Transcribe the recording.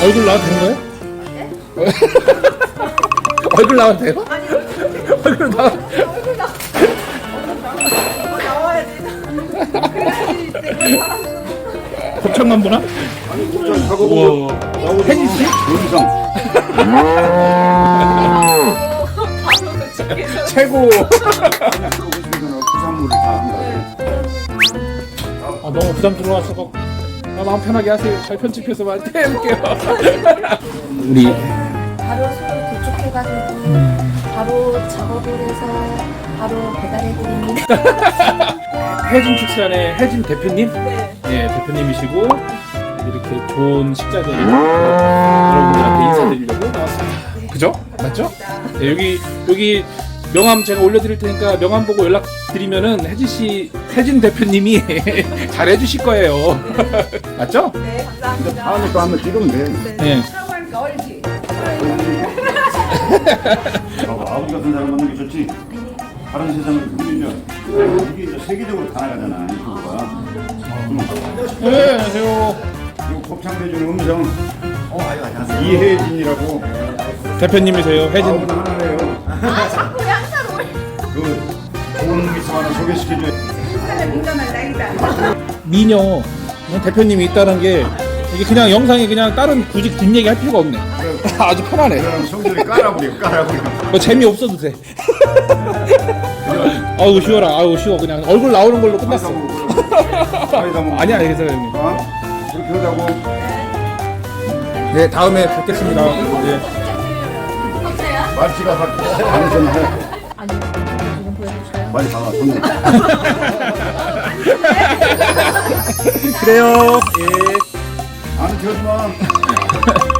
얼굴 나와도 되는 거예요? 얼굴 나와도 돼요? 얼굴 나와. 곱창만 보나? 하고 혜진 씨? 윤성 최고. 부산물을 다 한다. 아, 너무 부담스러워서 마음 편하게 하세요. 잘 편집해서 해볼게요. 우리 바로 손을 도축해가지고 바로 작업을 해서 바로 배달해드립니다. 혜진 축산의 혜진 대표님? 네. 예, 대표님이시고 이렇게 좋은 식자재를 여러분들한테 인사드리려고 나왔습니다. 그죠? 맞죠? 네, 여기 명함 제가 올려드릴 테니까 명함 보고 연락드리면은 혜진 대표님이 잘해주실 거예요. 맞죠? 네, 감사합니다. 다음에 또 한번 찍으면 돼. 네. 사과하니까 얼지. 아버지 같은 사람 만나는 게 좋지. 다른 세상을 보면 이게 이제 세계적으로 다 나가잖아. 이거가. 네, 안녕하세요. 그리고 곱창 대중 음성 이혜진이라고 대표님이세요, 혜진. 아무나 하나래요. 아, 자꾸 양산 올. 그 좋은 미소 하나 소개시켜줘. 미녀 대표님이 있다는 게 이게 그냥 영상이 그냥 다른 굳이 뒷얘기 할 필요가 없네. 아주 편하네. 그럼 성질이 깔아버려. 뭐 재미 없어도 돼. 아우 쉬워라. 아우 쉬워. 그냥 얼굴 나오는 걸로 끝났어. 아니야, 그래서 형님. 그렇게 하자고. 네, 다음에 뵙겠습니다. 네. 없어요? 말씨가 방송 해. 아니요. 지금 보여주세요. 많이 나와. 좋네. 그래요. 예. 안 키워주마.